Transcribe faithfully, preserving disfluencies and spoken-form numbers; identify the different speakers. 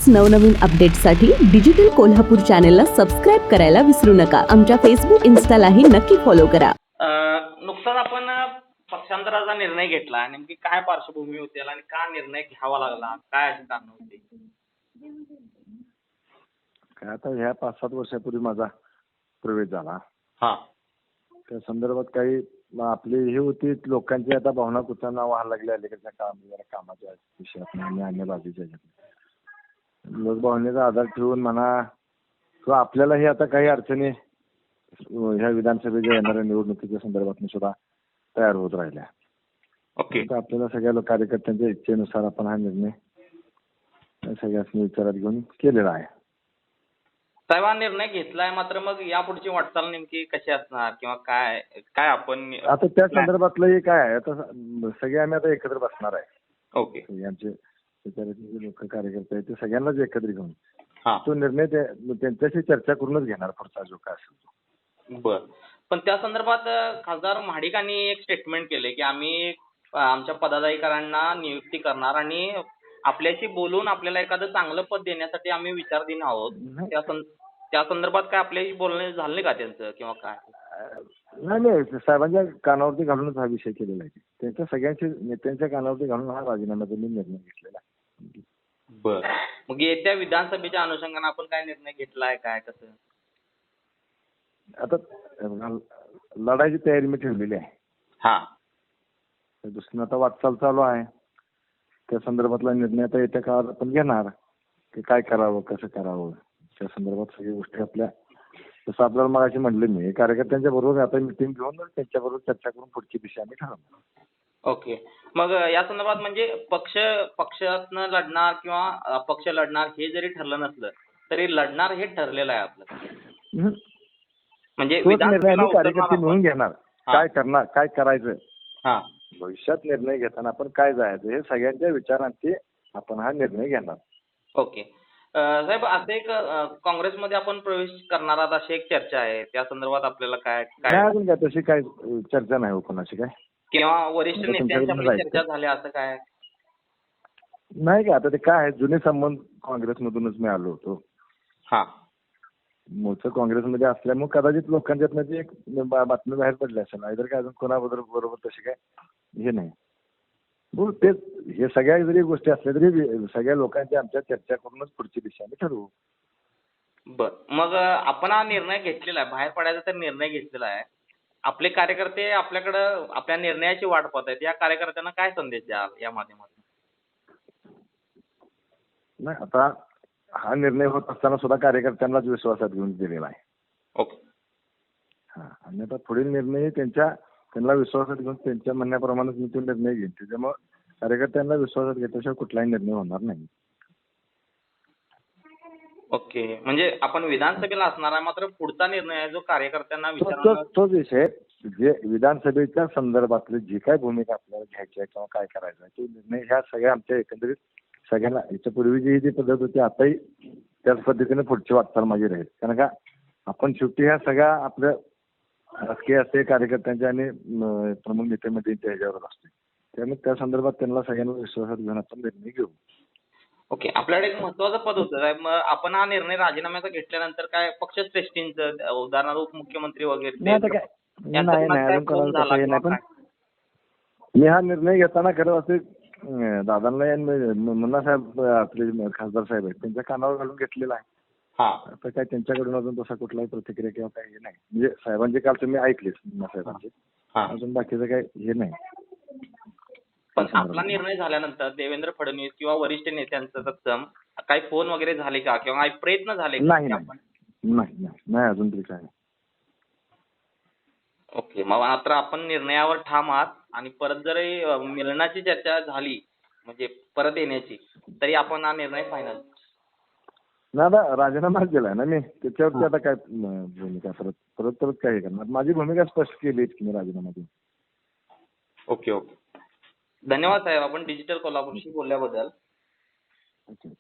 Speaker 1: अशाच नवनवीन अपडेट्ससाठी डिजिटल कोल्हापूर चॅनेलला सबस्क्राईब करायला विसरू नका. आमच्या फेसबुक इन्स्टालाही नक्की फॉलो करा.
Speaker 2: नुकताच आपण पक्षांतराचा निर्णय घेतला. नेमकी काय पार्श्वभूमी होती आणि का निर्णय घ्यावा लागला, काय अशी कारण होती?
Speaker 3: काय आता ह्या पाच सात वर्षापूर्वी माझा प्रवेश झाला.
Speaker 2: हा
Speaker 3: त्या संदर्भात काही आपली हे होती, लोकांची आता भावना कुचांना व्हायला लागली अलीकडच्या काळामध्ये जरा कामाच्या विषयात आणि अन्य बाजूच्या ह्याच्यात लोकभावनेचा आधार ठेवून म्हणा किंवा आपल्यालाही आता काही अडचणी ह्या विधानसभेच्या येणाऱ्या निवडणुकीच्या संदर्भात सुद्धा तयार होत राहिल्या.
Speaker 2: ओके.
Speaker 3: आपल्याला सगळ्या कार्यकर्त्यांच्या इच्छेनुसार आपण हा निर्णय सगळ्यांनी विचारात घेऊन केलेला आहे.
Speaker 2: साहेब, हा निर्णय घेतलाय, मात्र मग यापुढची वाटचाल नेमकी कशी असणार किंवा काय काय आपण
Speaker 3: आता त्या संदर्भातलं काय आहे, आता सगळे आम्ही आता एकत्र बसणार आहे.
Speaker 2: ओके.
Speaker 3: आमचे जे लोक कार्यकर्ते आहेत ते सगळ्यांनाच एकत्र घेऊन
Speaker 2: हा
Speaker 3: तो निर्णय त्यांच्याशी चर्चा करूनच घेणार पुढचा जो काय असेल तो.
Speaker 2: बर. पण त्या संदर्भात खासदार महाडिकांनी एक स्टेटमेंट केले की आम्ही आमच्या पदाधिकाऱ्यांना नियुक्ती करणार आणि आपल्याशी बोलून आपल्याला एखादं चांगलं पद देण्यासाठी आम्ही विचारधीन आहोत. त्या त्या संदर्भात काय आपल्याशी बोलणे झाले का त्यांचं किंवा काय?
Speaker 3: नाही नाही, साहेबांच्या कानावरती घालूनच हा विषय केलेला आहे. त्यांच्या सगळ्यांच्या नेत्यांच्या कानावरती घालून हा राजीनाम्याचा मी निर्णय घेतलेला आहे.
Speaker 2: बर. मग येत्या विधानसभेच्या अनुषंगाने आपण काय निर्णय घेतलाय, काय कसं?
Speaker 3: आता लढाईची तयारी मी ठेवलेली आहे.
Speaker 2: हा
Speaker 3: दुसरं आता वाटचाल चालू आहे. त्या संदर्भातला निर्णय आता येत्या काळात आपण घेणार की काय करावं, कसं करावं. त्या संदर्भात सगळ्या गोष्टी आपल्या जसं आपल्याला मगाशी म्हटलं मी कार्यकर्त्यांच्या बरोबर आता मिटिंग घेऊन त्यांच्याबरोबर चर्चा करून पुढची दिशा आम्ही ठरवणार.
Speaker 2: ओके. मग या संदर्भात म्हणजे पक्ष पक्षातनं लढणार किंवा अपक्ष लढणार हे जरी ठरलं नसलं तरी लढणार हे ठरलेलं आहे आपलं. म्हणजे
Speaker 3: कार्यकर्ते मिळून घेणार काय करणार, काय करायचं.
Speaker 2: हा
Speaker 3: भविष्यात निर्णय घेताना आपण काय जायचं हे सगळ्यांच्या विचारांची आपण हा निर्णय घेणार.
Speaker 2: ओके. साहेब, असं एक काँग्रेसमध्ये आपण प्रवेश करणार आहात अशी एक चर्चा आहे. त्या संदर्भात आपल्याला काय काय
Speaker 3: अजून काय तशी काय चर्चा नाही हो कोणाशी काय
Speaker 2: किंवा वरिष्ठ नेत्यांच्या चर्चा झाल्या असं काय
Speaker 3: नाही का? आता ते काय आहे, जुने संबंध काँग्रेसमधूनच मी आलो होतो.
Speaker 2: हा
Speaker 3: मूळचं काँग्रेसमध्ये असल्यामुळे कदाचित लोकांच्यात एक बातमी बाहेर पडली असेल. नाहीतर काय अजून कोणाबरोबर बरोबर तशी काय हे नाही. हो तेच, हे सगळ्या जरी गोष्टी असल्या तरी सगळ्या लोकांची आमच्या चर्चा करूनच पुढची दिशा आम्ही ठरवू.
Speaker 2: बर. मग आपण हा निर्णय घेतलेला आहे, बाहेर पडायचा तर निर्णय घेतलेला आहे. आपले कार्यकर्ते आपल्याकडं आपल्या निर्णयाची वाट पाहत आहेत. या कार्यकर्त्यांना काय संदेश द्याल या माध्यमातून?
Speaker 3: नाही, आता हा निर्णय होत असताना सुद्धा कार्यकर्त्यांनाच विश्वासात घेऊन दिलेला आहे.
Speaker 2: ओके.
Speaker 3: हा आणि आता पुढील निर्णय त्यांच्या त्यांना विश्वासात घेऊन त्यांच्या म्हणण्याप्रमाणेच मी तो निर्णय घेईन. त्याच्यामुळे कार्यकर्त्यांना विश्वासात घेतल्याशिवाय कुठलाही निर्णय होणार नाही.
Speaker 2: ओके. म्हणजे आपण विधानसभेला असणार आहे, मात्र पुढचा निर्णय आहे जो कार्यकर्त्यांना
Speaker 3: तोच विषय जे विधानसभेच्या संदर्भातली जी काय भूमिका आपल्याला घ्यायची आहे किंवा काय करायचं आहे तो निर्णय ह्या सगळ्या आमच्या एकंदरीत सगळ्यांना याच्या पूर्वीची जी पद्धत होती आताही त्याच पद्धतीने पुढची वाटचाल माझी राहील. कारण का आपण शेवटी ह्या सगळ्या आपल्या राजकीय असते कार्यकर्त्यांच्या आणि प्रमुख नेत्यामध्ये ह्याच्यावर असते. त्यामुळे त्या संदर्भात त्यांना सगळ्यांना विश्वासात घेऊन आपण निर्णय घेऊ.
Speaker 2: ओके. आपल्याकडे एक महत्वाचं पद होतं. मग आपण हा निर्णय राजीनाम्याचा घेतल्यानंतर काय पक्षश्रेष्ठींचं उदाहरणार्थ उपमुख्यमंत्री वगैरे
Speaker 3: नाही पण मी हा निर्णय घेताना खरं असे दादांना मुन्ना साहेब आपले खासदार साहेब आहेत त्यांच्या कानावर घालून घेतलेला आहे. आता काय त्यांच्याकडून अजून तसा कुठलाही प्रतिक्रिया किंवा काही हे नाही. म्हणजे साहेबांचे काल तुम्ही ऐकलेच मुन्ना साहेबांचे, अजून बाकीचं काही हे नाही.
Speaker 2: पण आपला निर्णय झाल्यानंतर देवेंद्र फडणवीस किंवा वरिष्ठ नेत्यांचं तत्सम काही फोन वगैरे झाले का किंवा काही प्रयत्न झाले का?
Speaker 3: नाही नाही नाही अजून तरी काय.
Speaker 2: ओके. मग मात्र आपण निर्णयावर ठाम आहात आणि परत जरी मिळण्याची चर्चा झाली म्हणजे परत येण्याची तरी आपण हा निर्णय फायनल.
Speaker 3: नाही आता राजीनामाच दिलाय ना मी, त्याच्यावरती आता काय भूमिका परत परत परत काय करणार. माझी भूमिका स्पष्ट केली की मी राजीनामा देईन.
Speaker 2: Okay okay. धन्यवाद साहेब, आपण डिजिटल कोल्हापूरशी बोलल्याबद्दल.